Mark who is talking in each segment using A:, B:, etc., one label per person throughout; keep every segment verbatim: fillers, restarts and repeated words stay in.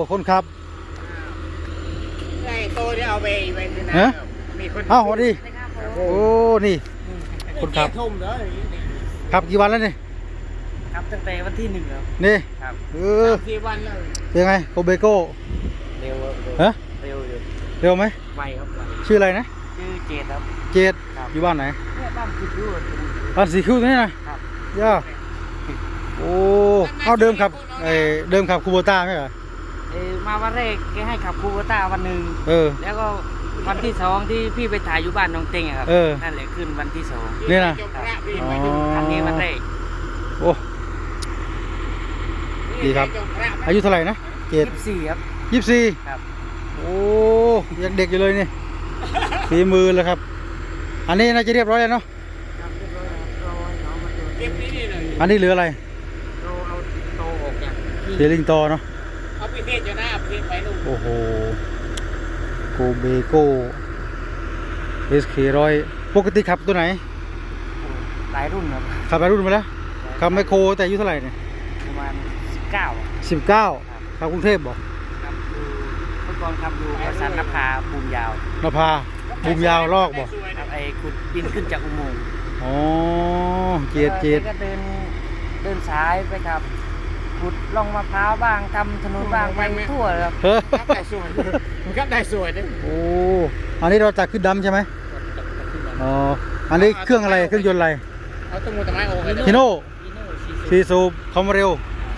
A: คนขับ
B: ไอ้โตที่เอาไปไปนะ
A: ฮะ
B: มีคน
A: อ้าวสวัสดีโอ้นี่คนขับขับกี่วันแล้วนี่
C: ครับตั้งแต่วันที่หนึ่งแล้ว
A: นี่
C: ครับ
A: เออ
B: สี่วันแล้ว
A: เป็นไงโกเบโก้
C: เร็ว
A: ฮะ
C: เร็วอยู่
A: เร็วไหม
C: ไวครับไว
A: ชื่ออะไรนะ
C: ชื่อเจดครับ
A: เจดอยู่บ้านไหน
C: เนี่ยบ้านคิดดู
A: บ้านสีคิ้วนี่นะครับย่าโอ้เอาเดิมขับไอเดิมขับคูโบต้าไหมเหรอ
C: เออมาวันแรกแกให้ขับคูโบต้าวันหนึ่ง
A: เออ
C: แล้วก็วันที่สองที่พี่ไปถ่ายอยู่บ้านน้องเต็งอะครับ
A: เออ
C: นั่นแหละขึ้นวันที่สอง
A: นี่นะ
C: อ๋อคันนี้วันแรก
A: โอ้ดีครับอายุเท่าไหร่นะเจ็ด
C: ยี่สิบสี่ครับ
A: ยี่สิบสี่
C: ครับ
A: โอ้ยังเด็กอยู่เลยนี่ฝีมือเลยครับอันนี้น่าจะเรียบร้อยแล้วเนาะอันนี้เหลืออะไร
C: เราเอาโตออกจาก
A: เดลิงโตเนาะ
B: เอาไปเทศจะหน้าไปเทศไปนู่น
A: โอ้โหโกเบโก้เอสเคร้อยปกติขับตัวไหน
C: หลายรุ่นครับ
A: ขับหลายรุ่นมาแล้วขับไมโครแต่อายุเท่าไหร่เนี่ย
C: ประมาณสิบเก้า
A: สิบเก้าขับกรุงเทพบอก
C: ครับดูเมื่อก่อนขับดูประสานนภาบูมยาวน
A: ภาบุมยาวลอกบอก
C: ครับไอ้ขุดดินขึ้นจากอุโมงค์
A: อ๋อเจ็ดเจ็ด
C: ก็เดินเดินสายไปครับขุดล่องมะพร้าวบ้างทำถนนบ้างไปทั่วครับ
B: ครับได้สวยมันก็ได้สวยด้วย
A: โอ้อันนี้เราจัดขึ้นดำใช่ไหมอ๋ออันนี้เครื่องอะไรเครื่องยนต์อะไร
B: เอาต้นมูตะไม้โอ้ย
A: ฮิโน่ซีซูคอมเร็ว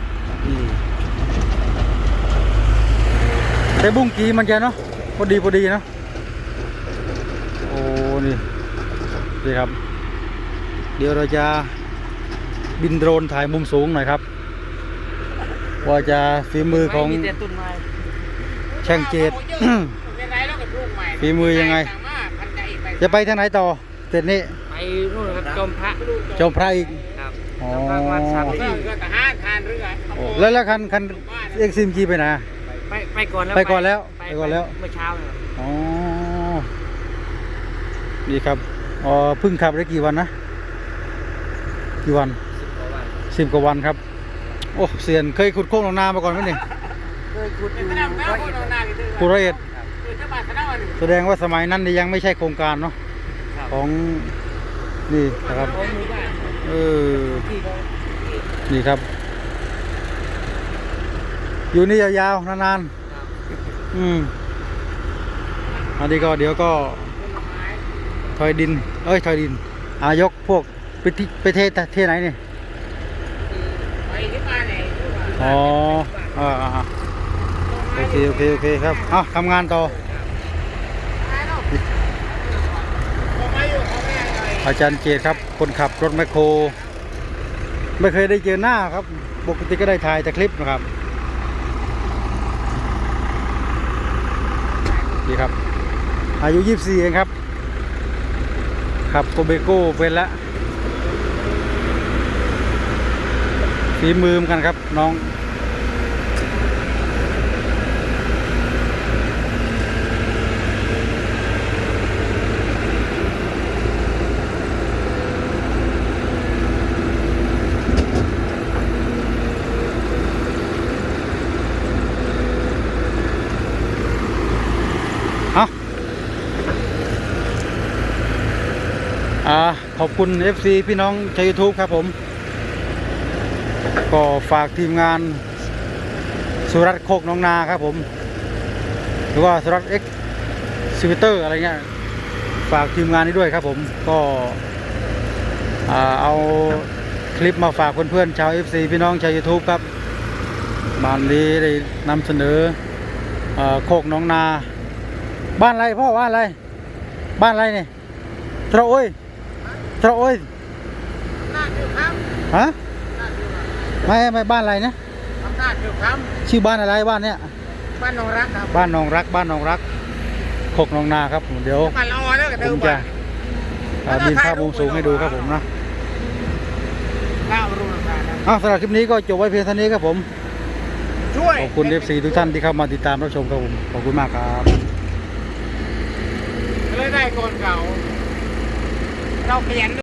A: แต่บุ้งกีมันจะเนาะพอดีพอดีเนาะโอ้นี่นี่ครับเดี๋ยวเราจะบินโดรนถ่ายมุมสูงหน่อยครับว่าจะฝีมือของช่างเจดฝีมือยังไงจะไปทางไหนต่อเสร็จนี้
C: ไปนู่นครับจอมพระ
A: จอมพระอีก
C: ครับจอมพระมาสามที่
A: แล้วแล้วคันคันเอ็กซิมจีไปไหน
C: ไปไปก่อนแล้ว
A: ไปก่อนแล้วไปก่อนแล้ว
C: เมื่อเช้าเลย
A: อ๋อดีครับอ๋อเพิ่งขับได้กี่วันนะกี่วันสิบกว่าวันครับโอ้เสียนเคยขุดโค้งลงนามาก่อนไหมนี่
C: เคยขุดอยู่ร้อยเอ็ด
A: ขุดร้อยเอ็ดแสดงว่าสมัยนั้นยังไม่ใช่โครงการเนาะของนี่นะครับเออนี่ครับอยู่นี่ยาวๆนานๆอืมอันนี้ก็เดี๋ยวก็ถอยดินเอ้ยถอยดินอายกพวกไปที่ไปเทเทไหนนี่อ๋ออ่าโอเคโอเคโอเคครับเอาทำงานต่ออาจารย์เจตครับคนขับรถแมคโครไม่เคยได้เจอหน้าครับปกติก็ได้ถ่ายแต่คลิปนะครับดีครับอายุยี่สิบสี่เองครับขับโกเบโก้เป็นละฝีมือกันครับน้องอ่าขอบคุณ เอฟ ซี พี่น้องชาว ยูทูบ ครับผมก็ฝากทีมงานสุรัตน์โคกน้องนาครับผมหรือว่าสุรัตน์เอ็กซ์ซิวิเตอร์อะไรเงี้ยฝากทีมงานนี้ด้วยครับผมก็เอาคลิปมาฝากเพื่อนๆชาว เอฟ ซี พี่น้องชาว ยูทูบ ครับบ้านนี้ได้นำเสนอโคกน้องนาบ้านอะไรพ่อบ้านอะไรบ้านอะไรเนี่ยตระโอยตระโอยฮะไม่ไม่บ้านอะไรนะชื่อบ้านอะไรบ้านเนี้ย
B: บ้านนองรักครับ
A: บ้านนองรักบ้านนองรักโคกนองนาครับเดี๋ยวผมจะบินภาพมุมสูงให้ดูครับผมนะอ้าวสำหรับคลิปนี้ก็จบไว้เพียงเท่านี้ครับผมขอบคุณ เอฟ ซี ทุกท่านที่เข้ามาติดตามรับชมครับผมขอบคุณมากครับ
B: เลยได้ก่อนเก่าเราเปลี่ยน